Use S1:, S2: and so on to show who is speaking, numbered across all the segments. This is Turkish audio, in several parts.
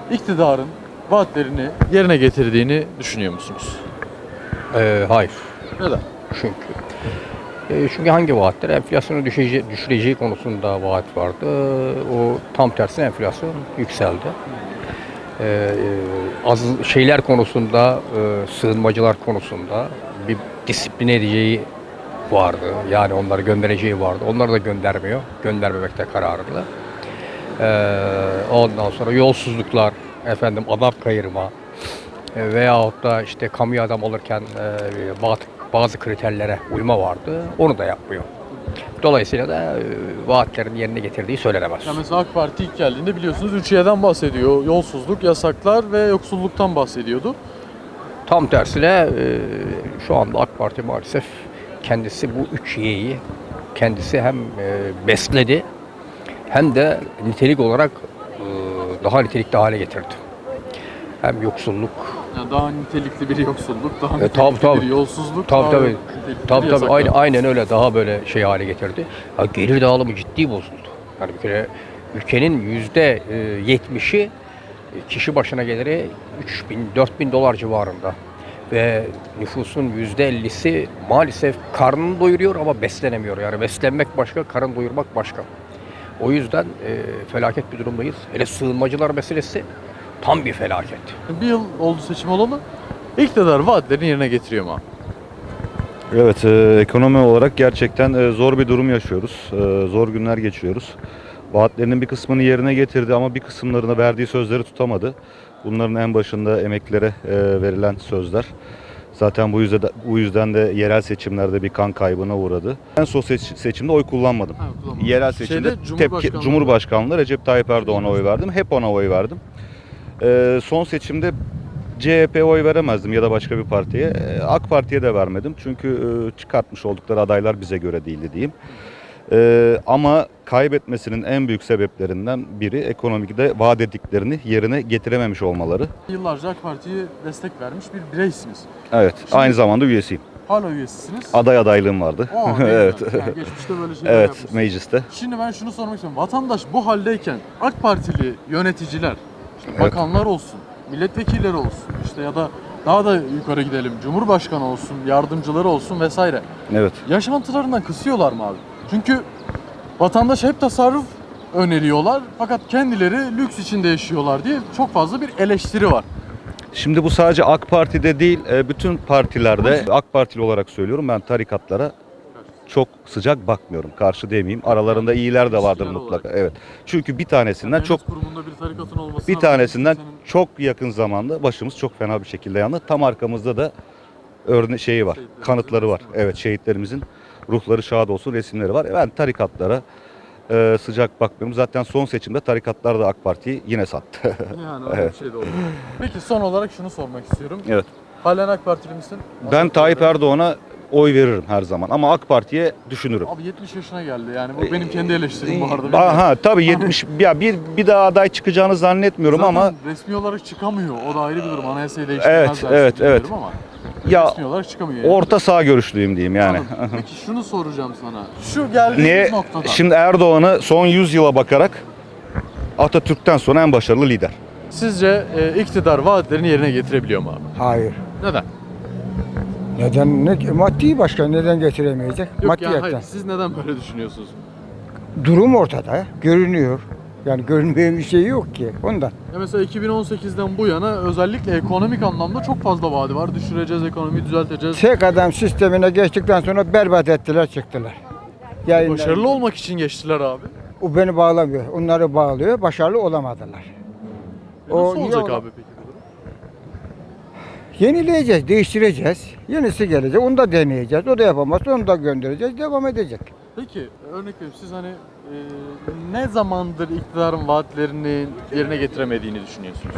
S1: iktidarın vaatlerini yerine getirdiğini düşünüyor musunuz?
S2: Hayır.
S1: Neden?
S2: Çünkü hangi vaatler? Enflasyonu düşüreceği konusunda vaat vardı. O tam tersine enflasyon yükseldi. Az şeyler konusunda, sığınmacılar konusunda bir disipline edeceği vardı. Yani onları göndereceği vardı. Onları da göndermiyor. Göndermemekte kararlı. Ondan sonra yolsuzluklar, adam kayırma veyahut da işte kamu adam olurken bazı kriterlere uyma vardı. Onu da yapmıyor. Dolayısıyla da vaatlerin yerine getirdiği söylenemez.
S1: Ya mesela AK Parti ilk geldiğinde biliyorsunuz 3 şeyden bahsediyor. Yolsuzluk, yasaklar ve yoksulluktan bahsediyordu.
S2: Tam tersine şu anda AK Parti maalesef kendisi bu 3 Y'yi kendisi hem besledi hem de nitelik olarak daha nitelikli hale getirdi. Hem yoksulluk,
S1: Yani daha nitelikli bir yoksulluk, daha nitelikli
S2: tabii.
S1: bir yolsuzluk,
S2: Tabii
S1: daha
S2: tabii.
S1: nitelikli
S2: Tabii
S1: bir
S2: tabii.
S1: yasaklar.
S2: Aynen öyle, daha böyle şey hale getirdi. Ya gelir dağılımı ciddi bozuldu. Yani bir kere ülkenin %70'i kişi başına geliri 3.000-4.000 dolar civarında. Ve nüfusun %50'si maalesef karnını doyuruyor ama beslenemiyor. Yani beslenmek başka, karın doyurmak başka. O yüzden felaket bir durumdayız. Hele sığınmacılar meselesi tam bir felaket.
S1: Bir yıl oldu seçim olalı. İktidar vaatlerini yerine getiriyor mu abi?
S3: Evet, ekonomi olarak gerçekten zor bir durum yaşıyoruz. Zor günler geçiriyoruz. Vaatlerinin bir kısmını yerine getirdi ama bir kısımlarını verdiği sözleri tutamadı. Bunların en başında emeklilere verilen sözler. Zaten bu yüzden de yerel seçimlerde bir kan kaybına uğradı. En son seçimde oy kullanmadım.
S1: Ha, kullanmadım.
S3: Yerel seçimde Cumhurbaşkanlığı Recep Tayyip Erdoğan'a oy verdim. Hep ona oy verdim. Son seçimde CHP'ye oy veremezdim ya da başka bir partiye. AK Parti'ye de vermedim. Çünkü çıkartmış oldukları adaylar bize göre değildi diyeyim. Ama kaybetmesinin en büyük sebeplerinden biri ekonomide vaat ettiklerini yerine getirememiş olmaları.
S1: Yıllarca AK Parti'ye destek vermiş bir bireysiniz.
S3: Evet, aynı zamanda üyesiyim.
S1: Hala üyesisiniz.
S3: Aday adaylığım vardı. Evet.
S1: Yani geçmişte böyle şeyler
S3: Evet,
S1: yapmışsınız.
S3: mecliste.
S1: Şimdi ben şunu sormak istiyorum. Vatandaş bu haldeyken AK Partili yöneticiler, işte
S3: Evet.
S1: bakanlar olsun, milletvekilleri olsun, işte ya da daha da yukarı gidelim, Cumhurbaşkanı olsun, yardımcıları olsun vesaire.
S3: Evet.
S1: Yaşantılarından kısıyorlar mı abi? Çünkü vatandaş hep tasarruf öneriyorlar fakat kendileri lüks içinde yaşıyorlar diye çok fazla bir eleştiri var.
S3: Şimdi bu sadece AK Parti'de değil, bütün partilerde, AK Partili olarak söylüyorum, ben tarikatlara çok sıcak bakmıyorum. Karşı demeyeyim. Aralarında iyiler de vardır
S1: İlişkiler
S3: mutlaka.
S1: olarak.
S3: Evet. Çünkü bir tanesinden çok
S1: Kurumunda bir tarikatın olması
S3: bir tanesinden çok yakın zamanda başımız çok fena bir şekilde yandı. Tam arkamızda da şeyi var.
S1: Şehitlerimizin
S3: Kanıtları var.
S1: resmi var.
S3: Evet, şehitlerimizin ruhları şad olsun resimleri var. Ben tarikatlara sıcak bakmıyorum. Zaten son seçimde tarikatlar da AK Parti'yi yine sattı.
S1: Yani öyle bir şey de oldu. Peki son olarak şunu sormak istiyorum.
S3: Evet.
S1: Halen AK Partili misin?
S3: Ben Tayyip Erdoğan'a oy veririm her zaman ama AK Parti'ye düşünürüm.
S1: Abi 70 yaşına geldi yani bu benim kendi eleştirim bu arada.
S3: Aha tabii 70 ya bir daha aday çıkacağını zannetmiyorum
S1: Zaten
S3: ama
S1: resmi olarak çıkamıyor. O da ayrı bir durum. Anayasayı değiştirmezler.
S3: Evet.
S1: Ama
S3: ya
S1: resmi olarak çıkamıyor. Yani.
S3: orta sağ görüşlüyüm diyeyim yani.
S1: Anladım. Peki şunu soracağım sana. Şu geldiğimiz noktada.
S3: Şimdi Erdoğan'ı son 100 yıla bakarak Atatürk'ten sonra en başarılı lider.
S1: Sizce iktidar vaatlerini yerine getirebiliyor mu abi?
S4: Hayır.
S1: Neden?
S4: Neden? Maddi başka neden getiremeyecek?
S1: Yok
S4: Maddiyetten.
S1: hayır. Siz neden böyle düşünüyorsunuz?
S4: Durum ortada, görünüyor. Yani görünmeyen bir şey yok ki ondan.
S1: Ya mesela 2018'den bu yana özellikle ekonomik anlamda çok fazla vaadi var. Düşüreceğiz, ekonomiyi düzelteceğiz.
S4: Tek adam sistemine geçtikten sonra berbat ettiler, çıktılar.
S1: Başarılı olmak için geçtiler abi.
S4: O beni bağlamıyor. Onları bağlıyor. Başarılı olamadılar.
S1: Nasıl
S4: niye
S1: olacak
S4: ola-
S1: abi peki bu durum?
S4: Yenileyeceğiz, değiştireceğiz. Yenisi gelecek, onu da deneyeceğiz. O da yapamazsa onu da göndereceğiz, devam edecek.
S1: Peki örnek veriyorum siz hani ne zamandır iktidarın vaatlerini yerine getiremediğini düşünüyorsunuz?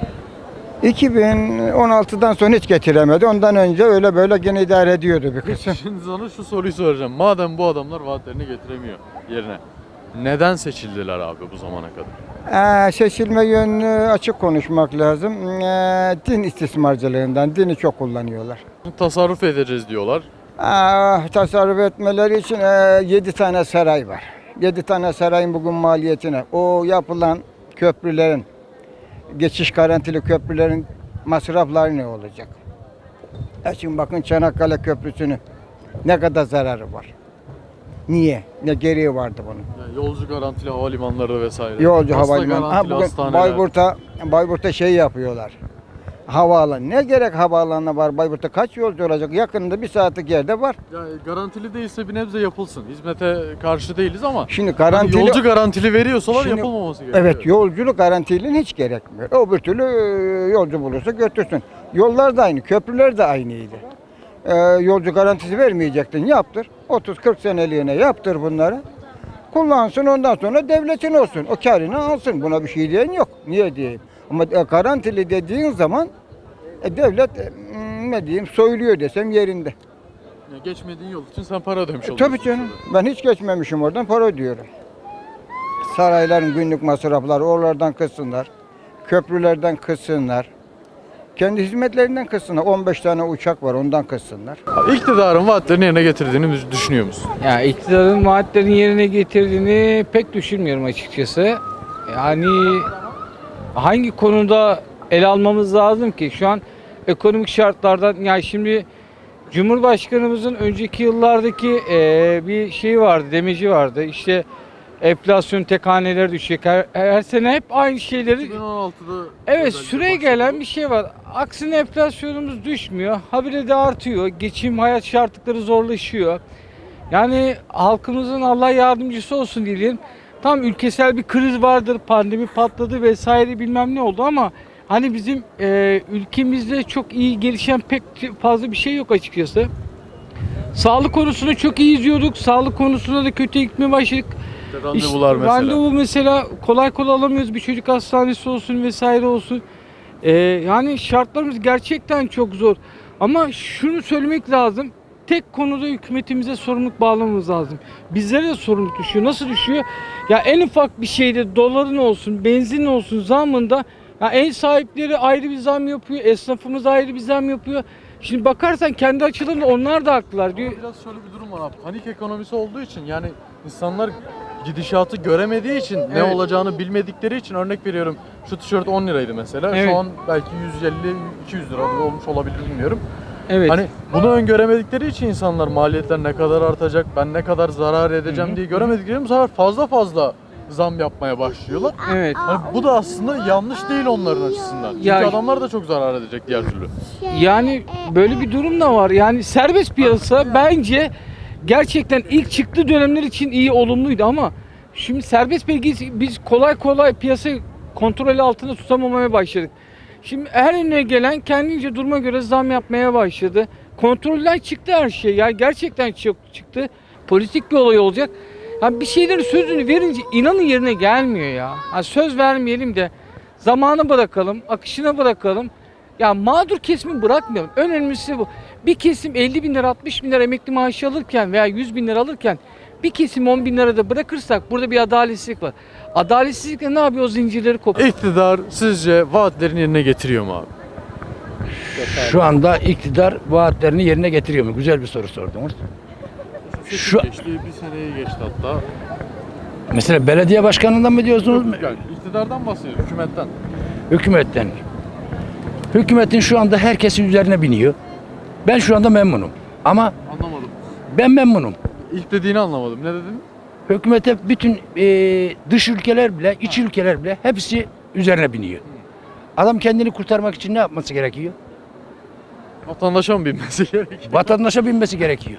S4: 2016'dan sonra hiç getiremedi. Ondan önce öyle böyle gene idare ediyordu bir kısım.
S1: Şimdi sana şu soruyu soracağım. Madem bu adamlar vaatlerini getiremiyor yerine, neden seçildiler abi bu zamana kadar?
S4: Seçilme yönünü açık konuşmak lazım. Din istismarcılığından, dini çok kullanıyorlar.
S1: Tasarruf edeceğiz diyorlar.
S4: Tasarruf etmeleri için 7 tane saray var. 7 tane sarayın bugün maliyetine, o yapılan köprülerin, geçiş garantili köprülerin masrafları ne olacak? Şimdi bakın Çanakkale Köprüsü'nün ne kadar zararı var. Niye? Ne gereği vardı bunun?
S1: Yani yolcu garantili havalimanları vesaire.
S4: Yolcu
S1: Hasta
S4: havalimanı.
S1: garantili
S4: Bugün
S1: hastaneler.
S4: Bayburt'ta şey yapıyorlar. Havaalanı. Ne gerek havaalanına var? Bayburt'ta kaç yolcu olacak? Yakınında bir saatlik yerde var.
S1: Yani garantili değilse bir nebze yapılsın. Hizmete karşı değiliz ama
S4: Şimdi
S1: hani
S4: garantili
S1: yolcu garantili veriyorsalar
S4: Şimdi-
S1: yapılmaması gerekiyor.
S4: Evet, yolculuk garantiliğin hiç gerekmiyor. Öbür türlü yolcu bulursa götürsün. Yollar da aynı, köprüler de aynıydı. Yolcu garantisi vermeyecektin, yaptır. 30-40 seneliğine yaptır bunları. Kullansın, ondan sonra devletin olsun. O karını alsın. Buna bir şey diyen yok. Niye diyeyim? Ama garantili dediğin zaman devlet ne diyeyim soyuluyor desem yerinde.
S1: Yani geçmediğin yol için sen para ödemiş oluyorsun.
S4: Tabii canım. Ben hiç geçmemişim oradan, para ödüyorum. Sarayların günlük masrafları oralardan kıssınlar. Köprülerden kıssınlar. Kendi hizmetlerinden kıssınlar. 15 tane uçak var, ondan kıssınlar.
S1: İktidarın vaatlerini yerine getirdiğini düşünüyor musun?
S5: Ya iktidarın vaatlerini yerine getirdiğini pek düşünmüyorum açıkçası. Yani hangi konuda ele almamız lazım ki? Şu an ekonomik şartlardan yani şimdi Cumhurbaşkanımızın önceki yıllardaki bir şeyi vardı, demeci vardı. İşte enflasyon tek hanelere düşecek. Her sene hep aynı şeyleri
S1: 2016'da
S5: evet,
S1: özellikle
S5: süre
S1: başladı.
S5: gelen bir şey var. Aksine enflasyonumuz düşmüyor. Habire de artıyor. Geçim, hayat şartları zorlaşıyor. Yani halkımızın Allah yardımcısı olsun diyelim. Tam ülkesel bir kriz vardır. Pandemi patladı vesaire bilmem ne oldu ama hani bizim ülkemizde çok iyi gelişen pek fazla bir şey yok açıkçası. Sağlık konusunu çok iyi izliyorduk. Sağlık konusunda da kötü gitmeye başladık.
S1: Randevular
S5: İşte
S1: mesela.
S5: Randevu mesela kolay kolay alamıyoruz. Bir çocuk hastanesi olsun vesaire olsun. Yani şartlarımız gerçekten çok zor. Ama şunu söylemek lazım. Tek konuda hükümetimize sorumluluk bağlamamız lazım. Bizlere de sorumluluk düşüyor. Nasıl düşüyor? Ya en ufak bir şeyde doların olsun, benzin olsun zamında ya ev sahipleri ayrı bir zam yapıyor. Esnafımız ayrı bir zam yapıyor. Şimdi bakarsan kendi açılarında onlar da haklılar diyor.
S1: Ama biraz şöyle bir durum var abi. Panik ekonomisi olduğu için yani insanlar gidişatı göremediği için ne
S5: Evet.
S1: olacağını bilmedikleri için örnek veriyorum. Şu tişört 10 liraydı mesela.
S5: Evet.
S1: Şu an belki 150-200 lira olmuş olabilir bilmiyorum.
S5: Evet.
S1: Hani bunu öngöremedikleri için insanlar maliyetler ne kadar artacak, ben ne kadar zarar edeceğim diye göremedikleri bu sefer fazla zam yapmaya başlıyorlar.
S5: Evet.
S1: Hani bu da aslında yanlış değil onların açısından. Çünkü
S5: Ya-
S1: adamlar da çok zarar edecek diğer türlü.
S5: Yani böyle bir durum da var. Yani serbest piyasa bence gerçekten ilk çıktığı dönemler için iyi, olumluydu ama şimdi serbest piyasa biz kolay kolay piyasayı kontrol altında tutamamaya başladık. Şimdi her önüne gelen kendince duruma göre zam yapmaya başladı. Kontrolden çıktı her şey. Yani gerçekten çok çıktı. Politik bir olay olacak. Yani bir şeylerin sözünü verince inanın yerine gelmiyor ya. Yani söz vermeyelim de zamanı bırakalım, akışına bırakalım. Ya mağdur kesimi bırakmayalım. Önemlisi bu. Bir kesim 50 bin lira, 60 bin lira emekli maaşı alırken veya 100 bin lira alırken bir kesim 10 bin lirada bırakırsak burada bir adaletsizlik var. Adaletsizlikle ne yapıyor? O zincirleri kopuyor.
S1: İktidar sizce vaatlerini yerine getiriyor mu abi?
S6: Şu anda iktidar vaatlerini yerine getiriyor mu? Güzel bir soru sordunuz. Şu-
S1: Geçti, bir seneyi geçti hatta.
S6: Mesela belediye başkanından mı diyorsunuz?
S1: Yani iktidardan bahsediyor, hükümetten.
S6: Hükümetten. Hükümetin şu anda herkesin üzerine biniyor. Ben şu anda memnunum. Ama
S1: Anlamadım.
S6: ben memnunum.
S1: İlk dediğini anlamadım. Ne dedin?
S6: Hükümete bütün dış ülkeler bile, iç ülkeler bile hepsi üzerine biniyor. Adam kendini kurtarmak için ne yapması gerekiyor?
S1: Vatandaşa mı binmesi gerekiyor?
S6: Vatandaşa binmesi gerekiyor.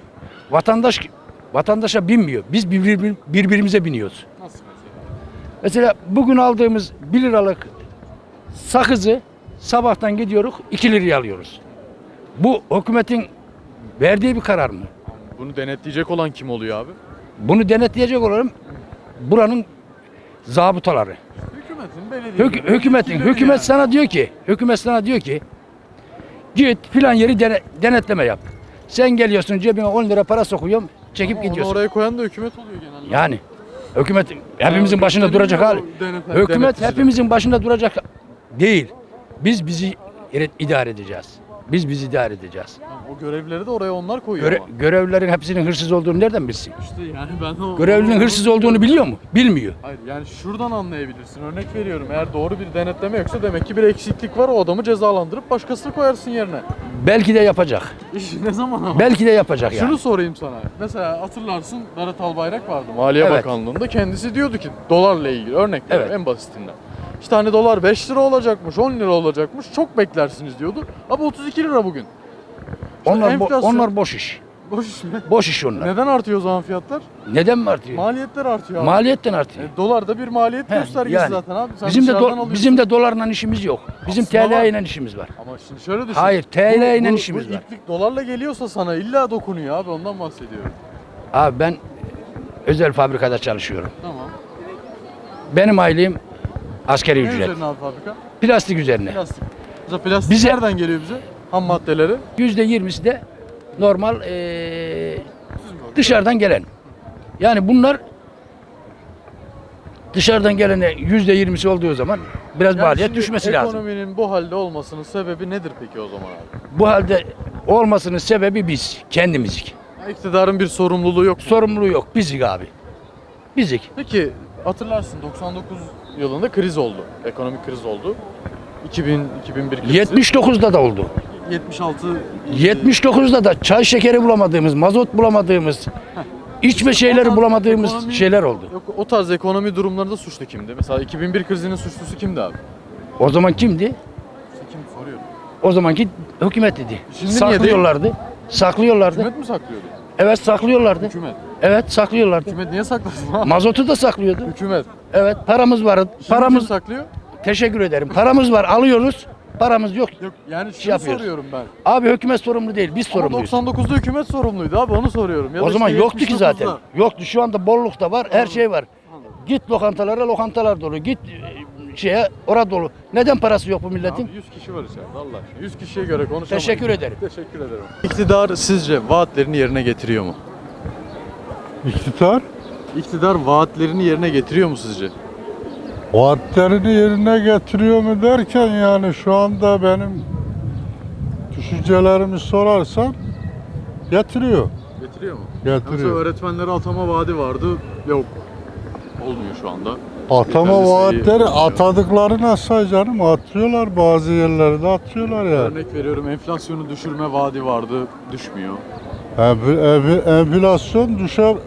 S6: Vatandaşa binmiyor. Biz birbirimize biniyoruz.
S1: Nasıl mesela?
S6: Mesela bugün aldığımız 1 liralık sakızı sabahtan gidiyoruz 2 liraya alıyoruz. Bu hükümetin verdiği bir karar mı?
S1: Bunu denetleyecek olan kim oluyor abi?
S6: Bunu denetleyecek olan buranın zabıtaları.
S1: Hükümetin, belediyenin.
S6: Hükümet sana diyor ki git filan yeri denetleme yap. Sen geliyorsun cebine 10 lira para sokuyorum çekip
S1: Onu
S6: gidiyorsun.
S1: oraya koyan da hükümet oluyor genelde.
S6: Yani hükümet hepimizin başında duracak hali. Hükümet hepimizin başında duracak değil. Biz bizi idare edeceğiz. Biz idare edeceğiz.
S1: O görevleri de oraya onlar koyuyor ama.
S6: Görevlilerin hepsinin hırsız olduğunu nereden bilsin?
S1: İşte yani ben o...
S6: Görevlinin hırsız olduğunu biliyor mu? Bilmiyor.
S1: Hayır yani şuradan anlayabilirsin. Örnek veriyorum. Eğer doğru bir denetleme yoksa demek ki bir eksiklik var. O adamı cezalandırıp başkasını koyarsın yerine.
S6: Belki de yapacak.
S1: İş ne zaman ama?
S6: Belki de yapacak yani.
S1: Şunu sorayım sana. Mesela hatırlarsın Berat Albayrak vardı Maliye
S6: Evet.
S1: Bakanlığı'nda. Kendisi diyordu ki dolarla ilgili örnek veriyorum
S6: Evet.
S1: en basitinden. İşte hani dolar 5 lira olacakmış, 10 lira olacakmış. Çok beklersiniz diyordu. Ama 32 lira bugün. enflasyon-
S6: Onlar boş iş.
S1: Boş iş mi?
S6: Boş iş onlar.
S1: Neden artıyor o zaman fiyatlar?
S6: Neden mi artıyor?
S1: Maliyetler artıyor abi.
S6: Maliyetten artıyor.
S1: Dolar da bir maliyet
S6: He,
S1: göstergesi
S6: yani.
S1: zaten abi. Sen
S6: Bizim de
S1: dışarıdan alıyorsun.
S6: bizim de dolarla işimiz yok. Bizim
S1: Aslında var.
S6: TL ile işimiz var.
S1: Ama şimdi şöyle düşün.
S6: Hayır, TL ile
S1: Bu
S6: işimiz var.
S1: iplik dolarla geliyorsa sana illa dokunuyor abi ondan bahsediyorum.
S6: Abi ben özel fabrikada çalışıyorum.
S1: Tamam.
S6: Benim aylığım askeri
S1: Ne
S6: ücret.
S1: üzerine abi fabrika?
S6: Plastik üzerine.
S1: Plastik. Mesela plastik
S6: Bize-
S1: nereden geliyor bize? Ham maddeleri.
S6: %20'si de normal dışarıdan gelen. Yani bunlar dışarıdan gelene %20'si olduğu zaman biraz
S1: Yani
S6: maliyet
S1: şimdi
S6: düşmesi lazım.
S1: Ekonominin bu halde olmasının sebebi nedir peki o zaman abi?
S6: Bu halde olmasının sebebi biz, kendimizik.
S1: Ya İktidarın bir sorumluluğu yok mu?
S6: Sorumluluğu yok, bizik abi. Bizik.
S1: Peki hatırlarsın 99 yılında kriz oldu. Ekonomik kriz oldu. 2001 krizi.
S6: 79'da da oldu.
S1: 76
S6: 79'da da çay şekeri bulamadığımız, mazot bulamadığımız, içme şeyleri bulamadığımız
S1: Ekonomi-
S6: şeyler oldu.
S1: Yok, o tarz ekonomi durumlarında suçlu kimdi? Mesela 2001 krizinin suçlusu kimdi abi?
S6: O zaman kimdi?
S1: İşte kim soruyorum.
S6: O zamanki hükümet dedi.
S1: Şimdi niye
S6: Saklıyorlardı. Saklıyorlardı.
S1: Hükümet mi saklıyordu?
S6: Evet saklıyorlardı.
S1: Hükümet.
S6: Evet saklıyorlardı.
S1: Hükümet niye saklasın abi?
S6: Mazotu da saklıyordu.
S1: Hükümet.
S6: Evet paramız var.
S1: Şimdi
S6: Paramız
S1: kim saklıyor?
S6: teşekkür ederim. Paramız var alıyoruz. Paramız yok.
S1: Yok yani şunu
S6: yapıyoruz.
S1: soruyorum ben.
S6: Abi hükümet sorumlu değil. Biz
S1: Ama
S6: sorumluyuz.
S1: 99'da hükümet sorumluydu abi onu soruyorum. Ya da
S6: O zaman
S1: işte
S6: yoktu ki
S1: 79'da.
S6: zaten. Yoktu. Şu anda bolluk da var. Her şey var. Git lokantalara, lokantalar dolu. Git şeye, orada dolu. Neden parası yok bu milletin?
S1: Abi 100 kişi var içeride Allah aşkına. 100 kişiye göre konuşamayız.
S6: Teşekkür ederim.
S1: Teşekkür ederim. İktidar sizce vaatlerini yerine getiriyor mu?
S7: İktidar
S1: İktidar vaatlerini yerine getiriyor mu sizce?
S7: vaatlerini yerine getiriyor mu derken yani şu anda benim düşüncelerimi sorarsan getiriyor.
S1: Getiriyor mu?
S7: Getiriyor.
S1: Mesela öğretmenlere atama vaadi vardı. Yok. Olmuyor şu anda.
S7: Atama
S1: Yeterli sayı
S7: vaatleri
S1: oluşuyor.
S7: atadıkları nasıl canım atıyorlar bazı yerlerde atıyorlar yani.
S1: Örnek veriyorum enflasyonu düşürme vaadi vardı. Düşmüyor.
S7: Enflasyon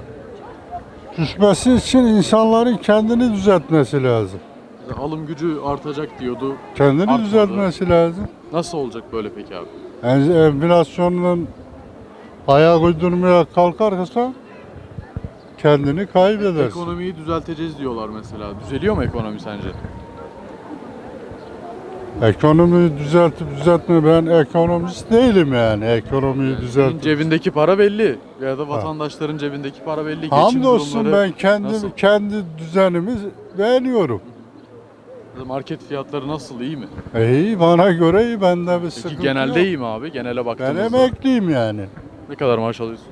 S7: düşmesi için insanların kendini düzeltmesi lazım.
S1: Mesela alım gücü artacak diyordu.
S7: Kendini
S1: Artmadı.
S7: düzeltmesi lazım.
S1: Nasıl olacak böyle peki abi?
S7: Enflasyonun ayak uydurmaya kalkarsa kendini kaybedersin.
S1: Ekonomiyi düzelteceğiz diyorlar mesela. Düzeliyor mu ekonomi sence?
S7: Ekonomiyi düzeltme ben ekonomist değilim yani ekonomiyi
S1: Senin
S7: düzelt.
S1: cebindeki para belli. Ya da vatandaşların cebindeki para belli. Geçim
S7: Hamdolsun
S1: durumları
S7: ben
S1: nasıl?
S7: kendi düzenimi beğeniyorum.
S1: Market fiyatları nasıl? İyi mi?
S7: İyi bana göre iyi bende bir
S1: Peki
S7: sıkıntı
S1: genelde
S7: yok.
S1: iyi mi abi? Genele
S7: Ben
S1: baktığımızda.
S7: emekliyim yani.
S1: Ne kadar maaş alıyorsun?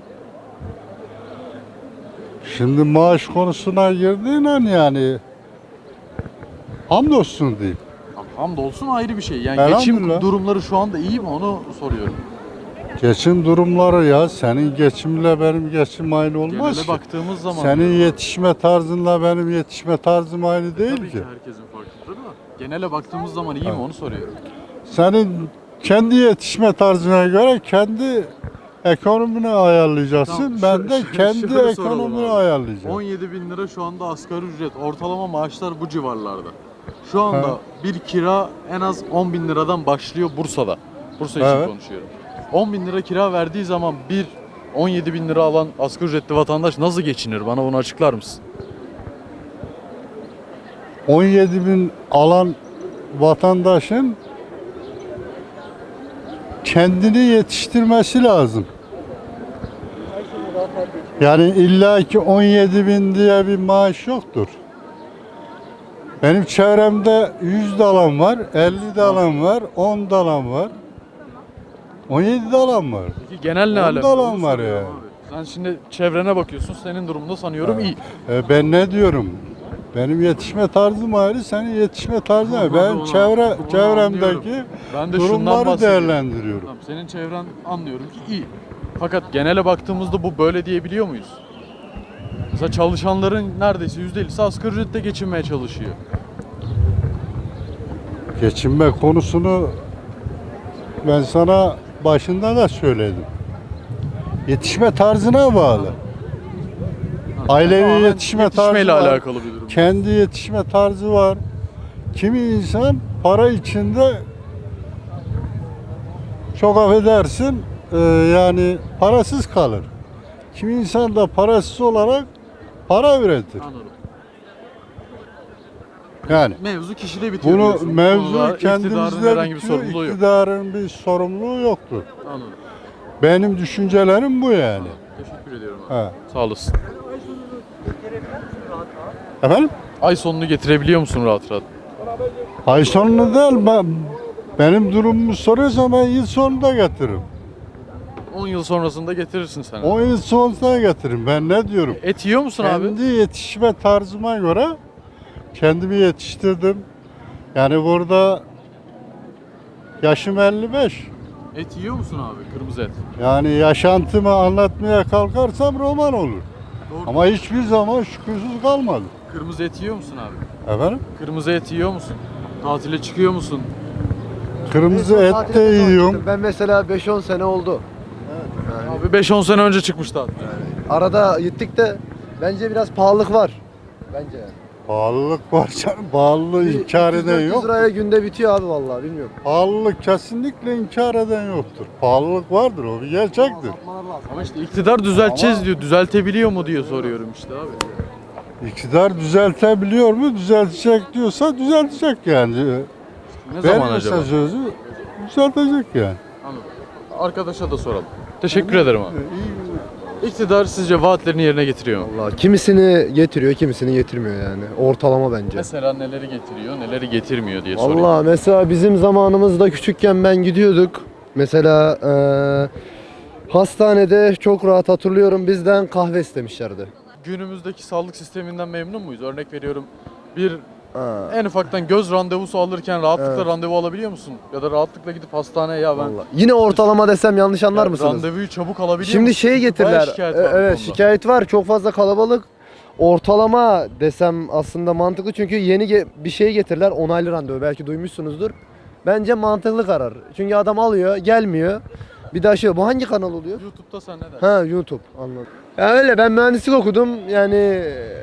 S7: Şimdi maaş konusuna girdiğin an yani hamdolsun diyeyim.
S1: Hamdolsun ayrı bir şey. Yani geçim
S7: Elhamdülillah.
S1: durumları şu anda iyi mi onu soruyorum.
S7: Geçim durumları ya senin geçimle benim geçim aynı olmaz
S1: Genele
S7: ki.
S1: baktığımız zaman.
S7: Senin yetişme tarzınla benim yetişme tarzım aynı değil
S1: Tabii
S7: ki.
S1: ki herkesin farklıdır da. Genele baktığımız zaman iyi mi onu soruyorum.
S7: Senin kendi yetişme tarzına göre kendi ekonomini ayarlayacaksın.
S1: Tamam,
S7: Ben de kendi
S1: şöyle soralım
S7: ekonomimi
S1: abi.
S7: ayarlayacağım.
S1: 17 bin lira şu anda asgari ücret. Ortalama maaşlar bu civarlarda. Şu anda
S7: Ha.
S1: bir kira en az 10 bin liradan başlıyor Bursa'da. Bursa için
S7: Evet.
S1: konuşuyorum. 10 bin lira kira verdiği zaman bir 17 bin lira alan asgari ücretli vatandaş nasıl geçinir? Bana bunu açıklar mısın?
S7: 17 bin alan vatandaşın kendini yetiştirmesi lazım. Yani illaki 17 bin diye bir maaş yoktur. Benim çevremde 100 dalan var, 50 dalan var, 10 dalan var. 17 dalan var.
S1: Peki genel ne
S7: Onda
S1: alem?
S7: alan
S1: Onu
S7: var
S1: soruyorum
S7: yani.
S1: abi. Sen şimdi çevrene bakıyorsun. Senin durumunda sanıyorum iyi.
S7: Ben ne diyorum? Benim yetişme tarzım ayrı, senin yetişme tarzın ayrı. Ben
S1: Onu anlıyorum.
S7: çevremdeki
S1: Ben de şundan
S7: durumları
S1: bahsediyorum.
S7: değerlendiriyorum.
S1: Tamam, senin çevren anlıyorum ki iyi. Fakat genele baktığımızda bu böyle diyebiliyor muyuz? Mesela çalışanların neredeyse %50'si asgari ücretle geçinmeye çalışıyor.
S7: Geçinme konusunu ben sana başında da söyledim. Yetişme tarzına bağlı. Ailevi
S1: Tamamen
S7: yetişme tarzı
S1: yetişmeyle
S7: var.
S1: alakalı bir durum.
S7: Kendi yetişme tarzı var. Kimi insan para içinde çok affedersin yani parasız kalır. Kimi insan da parasız olarak para üretir.
S1: Anladım.
S7: Yani
S1: Mevzu kişide bitiyor
S7: bunu
S1: diyorsun. Bu konuda
S7: mevzu
S1: iktidarın
S7: kendimizde
S1: herhangi bir
S7: bitiyor.
S1: sorumluluğu yok.
S7: İktidarın bir sorumluluğu yoktur.
S1: Anladım.
S7: Benim düşüncelerim bu yani.
S1: Teşekkür ediyorum abi.
S7: Ha.
S1: Sağ olasın.
S7: Efendim?
S1: Ay sonunu getirebiliyor musun rahat rahat?
S7: Ay sonunu değil, benim durumumu soruyorsan ben yıl sonunda getiririm.
S1: 10 yıl sonrasında getirirsin sen.
S7: 10 yıl sonunda getiririm. Ben ne diyorum?
S1: Et yiyor musun abi?
S7: Kendi yetişme tarzıma göre kendimi yetiştirdim. Yani burada yaşım 55.
S1: Et yiyor musun abi? Kırmızı et.
S7: Yani yaşantımı anlatmaya kalkarsam roman olur.
S1: Doğru.
S7: Ama hiçbir zaman şükürsüz kalmadım.
S1: Kırmızı et yiyor musun abi?
S7: Efendim?
S1: Kırmızı et yiyor musun? Tatile çıkıyor musun?
S7: Kırmızı et de yiyorum.
S8: Ben mesela 5-10 sene oldu.
S1: Abi 5-10 sene önce çıkmış tatil.
S8: Arada gittik de bence biraz pahalılık var. Bence yani.
S7: Pahalılık var canım. Pahalılığı inkar eden
S8: 300-400
S7: yok.
S8: liraya günde bitiyor abi vallahi bilmiyorum.
S7: Pahalılık kesinlikle inkar eden yoktur. Pahalılık vardır, o bir gerçektir.
S1: Ama işte iktidar düzelteceğiz diyor. Düzeltebiliyor mu diye soruyorum işte abi.
S7: İktidar düzeltebiliyor mu? Düzeltecek diyorsa düzeltecek yani.
S1: Ne zaman
S7: Verirse
S1: acaba?
S7: sözü düzeltecek yani.
S1: Anladım. Arkadaşa da soralım. Teşekkür ederim abi. İktidar sizce vaatlerini yerine getiriyor mu?
S8: Vallahi kimisini getiriyor, kimisini getirmiyor yani. Ortalama bence.
S1: Mesela neleri getiriyor, neleri getirmiyor diye soruyorum.
S8: Vallahi mesela bizim zamanımızda küçükken ben gidiyorduk. Mesela hastanede çok rahat hatırlıyorum bizden kahve istemişlerdi.
S1: Günümüzdeki sağlık sisteminden memnun muyuz? Örnek veriyorum. Bir
S8: Ha.
S1: en ufaktan göz randevusu alırken rahatlıkla
S8: Evet.
S1: randevu alabiliyor musun? Ya da rahatlıkla gidip hastaneye ya ben
S8: Vallahi. Yine ortalama desem yanlış anlar
S1: ya
S8: mısınız?
S1: randevuyu çabuk alabiliyor
S8: Şimdi
S1: musun?
S8: şey
S1: Çünkü
S8: getirdiler.
S1: bayağı şikayet var bu konuda.
S8: Evet şikayet var. Çok fazla kalabalık. Ortalama desem aslında mantıklı çünkü yeni bir şey getirdiler. Onaylı randevu. Belki duymuşsunuzdur. Bence mantıklı karar. Çünkü adam alıyor, gelmiyor. Bir daha şey, bu hangi kanal oluyor?
S1: YouTube'da sen ne dersin?
S8: Ha YouTube. Anladım. Ya öyle ben mühendislik okudum. Yani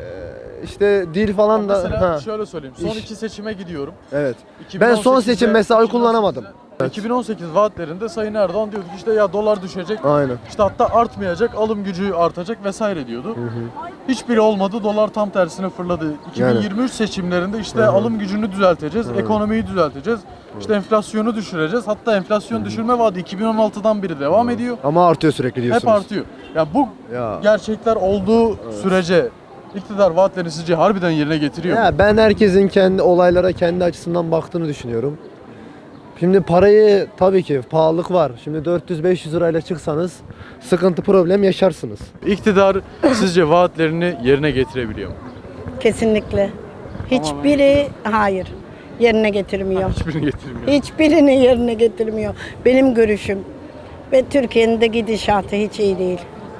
S8: işte dil falan da.
S1: Mesela
S8: Ha.
S1: şöyle söyleyeyim. Son
S8: İş.
S1: iki seçime gidiyorum.
S8: Evet. Ben son
S1: 2018'de
S8: seçim mesela oy kullanamadım.
S1: 2018 vaatlerinde Sayın Erdoğan diyordu ki işte ya dolar düşecek.
S8: Aynen.
S1: İşte hatta artmayacak, alım gücü artacak vesaire diyordu. Hiçbiri olmadı. Dolar tam tersine fırladı. 2023 seçimlerinde işte alım gücünü düzelteceğiz, ekonomiyi düzelteceğiz. İşte enflasyonu düşüreceğiz. Hatta enflasyon düşürme vaadi 2016'dan beri devam ediyor.
S8: Ama artıyor sürekli diyorsunuz.
S1: Hep artıyor. Ya bu
S8: Ya.
S1: gerçekler olduğu sürece iktidar vaatlerini sizce harbiden yerine getiriyor mu?
S8: Ya ben herkesin kendi olaylara kendi açısından baktığını düşünüyorum. Şimdi parayı tabii ki pahalılık var. Şimdi 400-500 lirayla çıksanız sıkıntı problem yaşarsınız.
S1: İktidar sizce vaatlerini yerine getirebiliyor mu?
S9: Kesinlikle. Hiçbiri hayır yerine getirmiyor.
S1: Hiçbirini getirmiyor.
S9: Hiçbirini yerine getirmiyor. Benim görüşüm. Ve Türkiye'nin de gidişatı hiç iyi değil.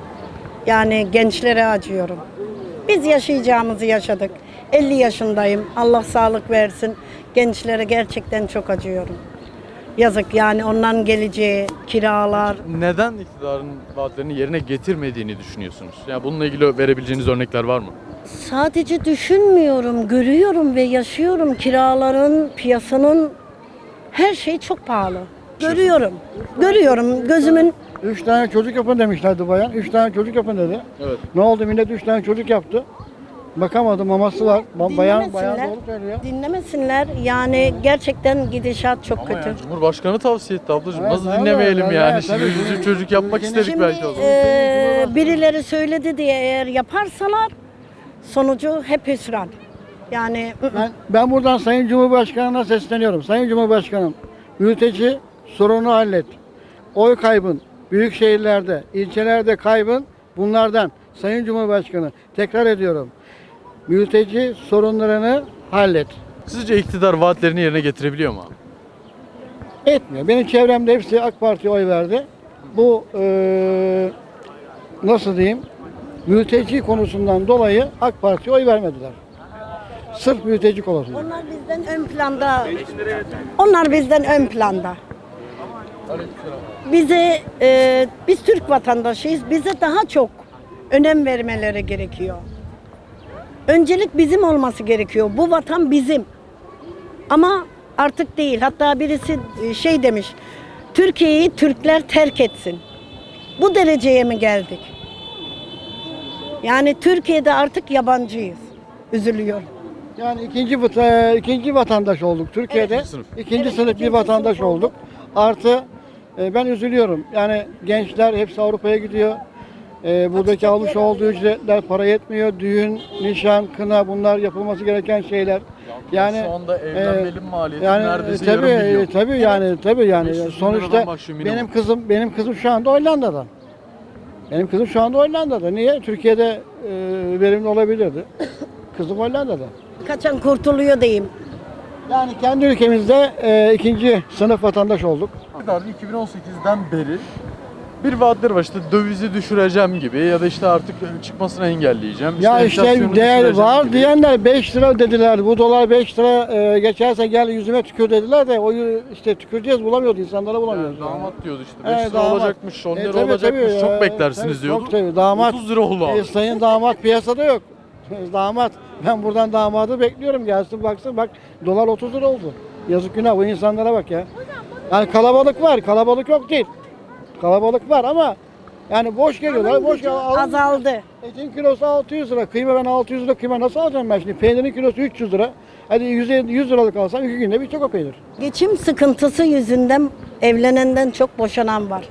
S9: Yani gençlere acıyorum. Biz yaşayacağımızı yaşadık. 50 yaşındayım. Allah sağlık versin. Gençlere gerçekten çok acıyorum. Yazık yani onların geleceği, kiralar.
S1: Neden iktidarın vaatlerini yerine getirmediğini düşünüyorsunuz? Yani bununla ilgili verebileceğiniz örnekler var mı?
S9: Sadece düşünmüyorum, görüyorum ve yaşıyorum. Kiraların, piyasanın her şey çok pahalı. Görüyorum. Görüyorum gözümün
S10: 3 tane çocuk yapın demişlerdi bayan. 3 tane çocuk yapın dedi.
S1: Evet.
S10: Ne oldu millet 3 tane çocuk yaptı. Bakamadı maması var. Bayan
S9: dinlemesinler.
S10: doğru söylüyor.
S9: Dinlemesinler. Yani gerçekten gidişat çok
S1: Ama
S9: kötü.
S1: yani Cumhurbaşkanı tavsiye etti ablacığım.
S10: Evet,
S1: Nasıl
S10: öyle,
S1: dinlemeyelim
S10: öyle,
S1: yani?
S10: tabii.
S1: Şimdi çocuk yapmak istedik
S9: Şimdi
S1: belki o zaman.
S9: birileri söyledi diye eğer yaparsalar sonucu hep hüsran. Yani
S10: Ben buradan Sayın Cumhurbaşkanı'na sesleniyorum. Sayın Cumhurbaşkanım, mülteci sorunu hallet. Oy kaybın, büyük şehirlerde, ilçelerde kaybın bunlardan. Sayın Cumhurbaşkanı, tekrar ediyorum. mülteci sorunlarını hallet.
S1: Sizce iktidar vaatlerini yerine getirebiliyor mu abi?
S10: Etmiyor. Benim çevremde hepsi AK Parti'ye oy verdi. Bu nasıl diyeyim? Mülteci konusundan dolayı AK Parti'ye oy vermediler. Sırf mülteci konusunda.
S9: Onlar bizden ön planda. Onlar bizden ön planda. Biz Türk vatandaşıyız. Bize daha çok önem vermeleri gerekiyor. Öncelik bizim olması gerekiyor. Bu vatan bizim. Ama artık değil. Hatta birisi şey demiş. Türkiye'yi Türkler terk etsin. Bu dereceye mi geldik? Yani Türkiye'de artık yabancıyız. Üzülüyorum.
S10: Yani ikinci vatandaş olduk Türkiye'de.
S1: sınıf.
S10: İkinci sınıf bir vatandaş olduk. Artı ben üzülüyorum. Yani gençler hepsi Avrupa'ya gidiyor. Buradaki almış olduğu ücretler para yetmiyor. Düğün, nişan, kına bunlar yapılması gereken şeyler. Yani
S1: Şu anda evlenmenin maliyeti
S10: yani
S1: neredeyse yarım milyon.
S10: tabii yani
S1: 500 bin
S10: sonuçta
S1: liradan başlıyor minimum.
S10: benim kızım şu anda Hollanda'da. Benim kızım şu anda Hollanda'da. Niye? Türkiye'de verimli olabilirdi. Kızım Hollanda'da.
S9: Kaçan kurtuluyor diyeyim.
S10: Yani kendi ülkemizde ikinci sınıf vatandaş olduk.
S1: İktidar 2018'den beri bir vaatler var, işte dövizi düşüreceğim gibi ya da işte artık çıkmasını engelleyeceğim.
S10: Ya işte
S1: enflasyonu
S10: değer
S1: düşüreceğim
S10: var
S1: gibi.
S10: diyenler 5 lira dediler. Bu dolar 5 lira geçerse gel yüzüme tükür dediler de o işte tüküreceğiz bulamıyordu insanlara bulamıyoruz.
S1: Yani damat diyordu işte 5
S10: Evet,
S1: lira
S10: damat.
S1: olacakmış, 10 lira
S10: Tabii,
S1: olacakmış,
S10: tabii,
S1: çok beklersiniz
S10: tabii,
S1: diyordu.
S10: çok tabii, damat.
S1: 30 lira oldu abi.
S10: Sayın damat piyasada yok. Damat. Ben buradan damadı bekliyorum. Gelsin baksın bak dolar 30 lira oldu. Yazık günah bu insanlara bak ya. Yani kalabalık var. Kalabalık yok değil. Kalabalık var ama yani boş geliyorlar. Boş
S9: Azaldı.
S10: Etin kilosu 600 lira. Kıyma ben 600 lira kıyma nasıl alacağım ben şimdi? Peynirin kilosu 300 lira. Hadi 100 liralık alsam 2 günde bitecek o peynir.
S9: Geçim sıkıntısı yüzünden evlenenden çok boşanan var.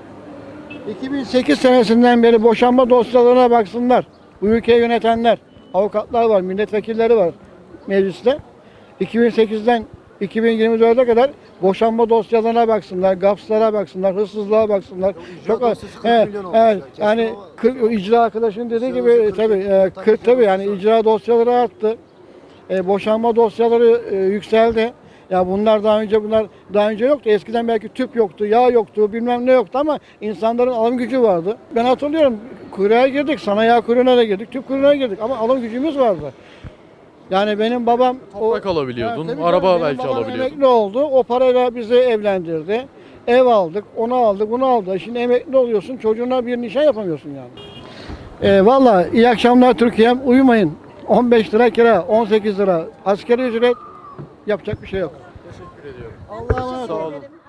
S10: 2008 senesinden beri boşanma dosyalarına baksınlar. Bu ülkeyi yönetenler, avukatlar var, milletvekilleri var mecliste. 2008'den 2024'e kadar boşanma dosyalarına baksınlar, gapslara baksınlar, hırsızlığa baksınlar. Çok az. Evet, yani icra arkadaşın dediği gibi tabii yani icra dosyaları arttı. Boşanma dosyaları yükseldi. Ya bunlar daha önce yoktu. Eskiden belki tüp yoktu, yağ yoktu, bilmem ne yoktu ama insanların alım gücü vardı. Ben hatırlıyorum kuyruğa girdik, sana yağ kuyruğuna da girdik, tüp kuyruğuna girdik ama alım gücümüz vardı. Yani benim babam
S1: Toprak alabiliyordun,
S10: tabii
S1: araba
S10: benim
S1: belki
S10: babam
S1: alabiliyordun.
S10: emekli oldu. O parayla bizi evlendirdi. Ev aldık, onu aldık, bunu aldı. Şimdi emekli oluyorsun, çocuğuna bir nişan yapamıyorsun yani. Valla iyi akşamlar Türkiye'm. Uyumayın. 15 lira kira, 18 lira asgari ücret, yapacak bir şey yok.
S1: Teşekkür ediyorum.
S10: Allah'a emanet
S1: Sağ
S10: olun.
S1: olun.